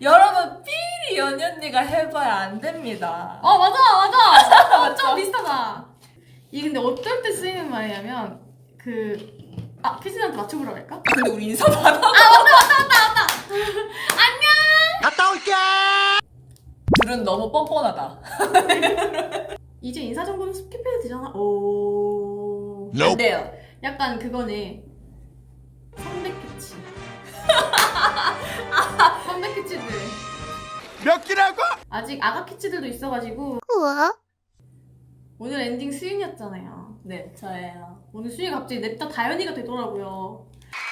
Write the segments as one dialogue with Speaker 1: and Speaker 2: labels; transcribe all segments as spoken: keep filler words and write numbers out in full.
Speaker 1: 여러분 삐리 연희 언니가 해봐야 안 됩니다.
Speaker 2: 어 맞아 맞아. 어, 좀 비슷하다. 이게 근데 어떨 때 쓰이는 말이냐면 그 아 키스한테 맞춰보라고 할까?
Speaker 1: 근데 우리 인사도 안 하고.
Speaker 2: 아 맞다 맞다 맞다 맞다. 안녕.
Speaker 3: 갔다 올게.
Speaker 1: 둘은 너무 뻔뻔하다.
Speaker 2: 이제 인사 정도는 스킵해도 되잖아. 오.
Speaker 1: 안 돼요.
Speaker 2: 약간 그거네. 삼백 캐치. 삼백 캐치들.
Speaker 3: 몇 끼라고?
Speaker 2: 아직 아가 캐치들도 있어가지고.
Speaker 4: 우와.
Speaker 2: 오늘 엔딩 수윤이었잖아요.
Speaker 1: 네, 저예요.
Speaker 2: 오늘 수윤이 갑자기 냅다 다현이가 되더라고요.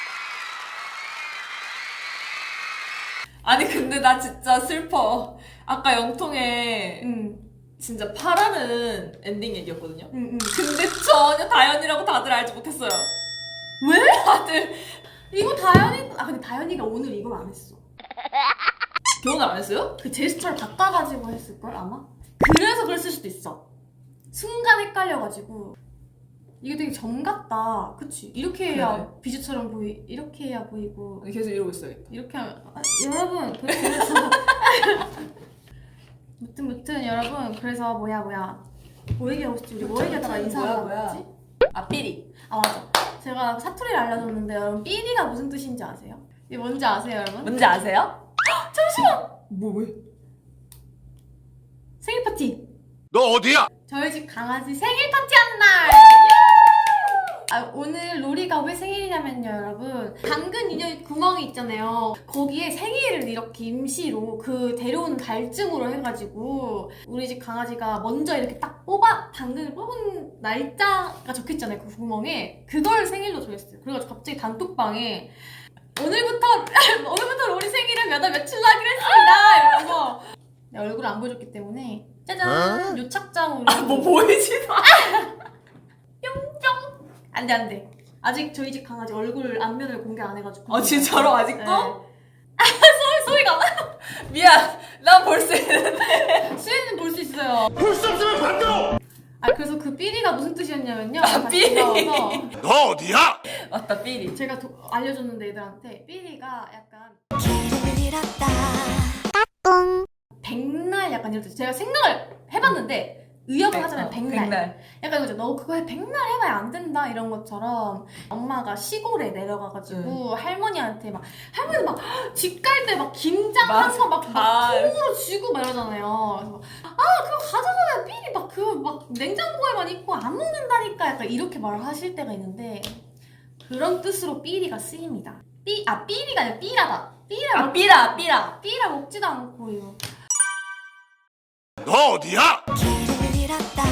Speaker 1: 아니 근데 나 진짜 슬퍼. 아까 영통에
Speaker 2: 응.
Speaker 1: 진짜 파라는 엔딩 얘기였거든요.
Speaker 2: 응, 응.
Speaker 1: 근데 전혀 다현이라고 다들 알지 못했어요.
Speaker 2: 왜?
Speaker 1: 다들
Speaker 2: 이거 다현이, 아 근데 다현이가 오늘 이걸 안 했어.
Speaker 1: 기억을 안 했어요?
Speaker 2: 그 제스처를 바꿔가지고 했을걸 아마? 그래서 그랬을 수도 있어. 순간 헷갈려가지고. 이게 되게 점 같다. 그치? 이렇게 해야
Speaker 1: 네.
Speaker 2: 비주처럼 보이, 이렇게 해야 보이고.
Speaker 1: 계속 이러고 있어야겠다.
Speaker 2: 이렇게 하면, 아, 여러분, 그래서. 무튼, 무튼, 여러분, 그래서 뭐야, 뭐야. 뭐 얘기하고 싶지? 우리 뭐 얘기하다가
Speaker 1: 뭐야,
Speaker 2: 인사하다가
Speaker 1: 뭐야.
Speaker 2: 했지?
Speaker 1: 아 삐리.
Speaker 2: 아, 맞아. 제가 사투리를 알려줬는데, 여러분, 삐리가 무슨 뜻인지 아세요? 이게 뭔지 아세요, 여러분?
Speaker 1: 뭔지 아세요?
Speaker 2: 잠시만!
Speaker 1: 뭐 왜?
Speaker 2: 생일 파티!
Speaker 3: 너 어디야?
Speaker 2: 저희 집 강아지 생일 파티하는 날! 아, 오늘 로리가 왜 생일이냐면요, 여러분. 당근 인형 구멍이 있잖아요. 거기에 생일을 이렇게 임시로 그 데려오는 갈증으로 해가지고 우리 집 강아지가 먼저 이렇게 딱 뽑아, 당근을 뽑은 날짜가 적혀있잖아요, 그 구멍에. 그걸 생일로 정했어요. 그래가지고 갑자기 단톡방에 오늘부터, 오늘부터 로리 생일은 몇 월 며칠로 하기로 했습니다! 이러면서 내 얼굴을 안 보여줬기 때문에 짜잔! 요착장으로.
Speaker 1: 아, 뭐 보이지도 않아.
Speaker 2: 안돼 안돼. 아직 저희 집 강아지 얼굴 앞면을 공개 안 해가지고.
Speaker 1: 아 진짜로 아직도?
Speaker 2: 네. 소리 소리가.
Speaker 1: 미안. 난 볼 수 있는데.
Speaker 2: 수혜는 볼 수 있어요.
Speaker 3: 볼 수 없으면 반대로.
Speaker 2: 아 그래서 그 삐리가 무슨 뜻이었냐면요.
Speaker 1: 아,
Speaker 2: 다시
Speaker 1: 삐리.
Speaker 2: 돌아와서
Speaker 3: 너 어디야?
Speaker 1: 맞다 삐리.
Speaker 2: 제가 도, 알려줬는데 애들한테 삐리가 약간
Speaker 4: 길을 잃었다. 까꿍.
Speaker 2: 백날 약간 이럴 때 제가 생각을 해봤는데 의역을
Speaker 1: 백-
Speaker 2: 하잖아요.
Speaker 1: 어,
Speaker 2: 백날.
Speaker 1: 백날.
Speaker 2: 약간 이거죠. 너 그거 해 백날 해봐야 안 된다 이런 것처럼 엄마가 시골에 내려가가지고 할머니한테 막 할머니 막 집 갈 때 막 김장한 거 막
Speaker 1: 다.
Speaker 2: 통으로 쥐고 막 이러잖아요. 그래서 막, 아 그거 가져가면 삐리 막 그거 막 냉장고에만 있고 안 먹는다니까 약간 이렇게 말을 하실 때가 있는데 그런 뜻으로 삐리가 쓰입니다. 삐, 아 삐리가 아니라 삐라다. 삐라
Speaker 1: 아
Speaker 2: 먹,
Speaker 1: 삐라 삐라.
Speaker 2: 삐라 먹지도 않고요.
Speaker 3: 너 어디야?
Speaker 4: 길을 잃었다.